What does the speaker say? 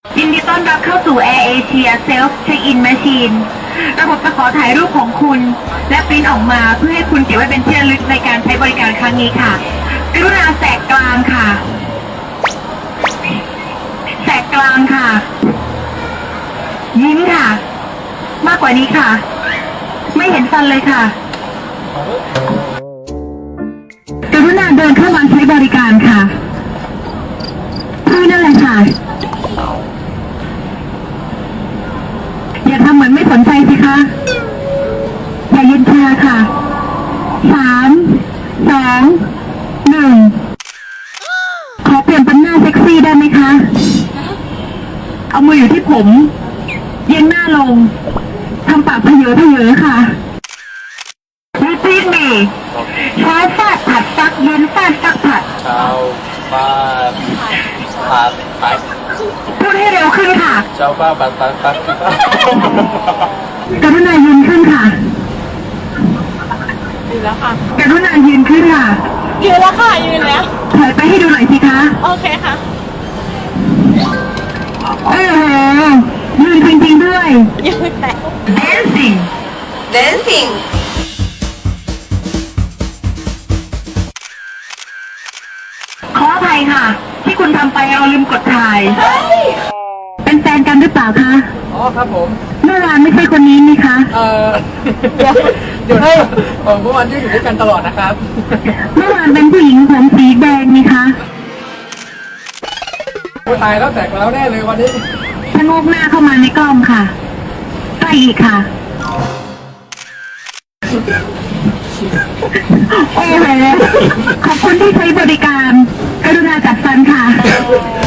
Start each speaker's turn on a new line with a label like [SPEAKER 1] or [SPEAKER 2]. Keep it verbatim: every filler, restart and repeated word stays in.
[SPEAKER 1] ยินดีต้อนรับเข้าสู่ Air Asia Self Check-in Machine ระบบจะขอถ่ายรูปของคุณและปริ้นออกมาเพื่อให้คุณเก็บไว้เป็นที่ระลึกในการใช้บริการครั้งนี้ค่ะกรุณาแสกกลางค่ะแสกกลางค่ะยิ้มค่ะมากกว่านี้ค่ะไม่เห็นฟันเลยค่ะกรุณาเดินเข้ามาใช้บริการค่ะคือนั่นแหละค่ะอย่าทำเหมือนไม่สนใจสิคะอย่าเย็นชาค่ะสามสองหนึ่งขอเปลี่ยนเป็นหน้าเซ็กซี่ได้ไหมคะเอามืออยู่ที่ผมเย็นหน้าลงทำปากเพเยอเพเยอค่ะRepeat me เช้าฟาดผัดซักเย็นฟาดซักผัด
[SPEAKER 2] เช้าฟาดผัดผัด
[SPEAKER 1] พูดให้เร็วขึ้นค่ะ
[SPEAKER 2] เช้าฟาดผัดผัดผัด
[SPEAKER 1] กรุณายืนขึ้นค่ะ
[SPEAKER 3] ยืนแล้วค่ะ
[SPEAKER 1] กรุณายืนขึ้นค่ะ
[SPEAKER 3] ยืนแล้วค่ะยืนแล้ว
[SPEAKER 1] ถอยไปให้ดูหน่อยสิคะ
[SPEAKER 3] โอเคค่ะ
[SPEAKER 1] เออยืนจริงๆด้วย
[SPEAKER 3] ยืนแต่
[SPEAKER 1] dancing
[SPEAKER 3] dancing
[SPEAKER 1] ขออภัยค่ะที่คุณทำไปเราลืมกดถ่ายเป็นแฟนกันหรือเปล่าคะ
[SPEAKER 2] อ๋อครับผม
[SPEAKER 1] เมื่อวานไม่ใช่คนนี้นี่คะ
[SPEAKER 2] เออเดี๋ยวเดี๋ยวให้ผมเมื่อวานที่อยู่ด้วยกันตลอดนะครับ
[SPEAKER 1] เมื่อวานเป็นผู้หญิงผมสีแดงนี่คะ
[SPEAKER 2] ตายแล้วแตกแล้วแน่เลยวันนี้
[SPEAKER 1] ชะโงกหน้าเข้ามาในกล้องค่ะใกล้อีกค่ะโอ้โหขอบคุณที่ใช้บริการกรุณาจัดฟันค่ะ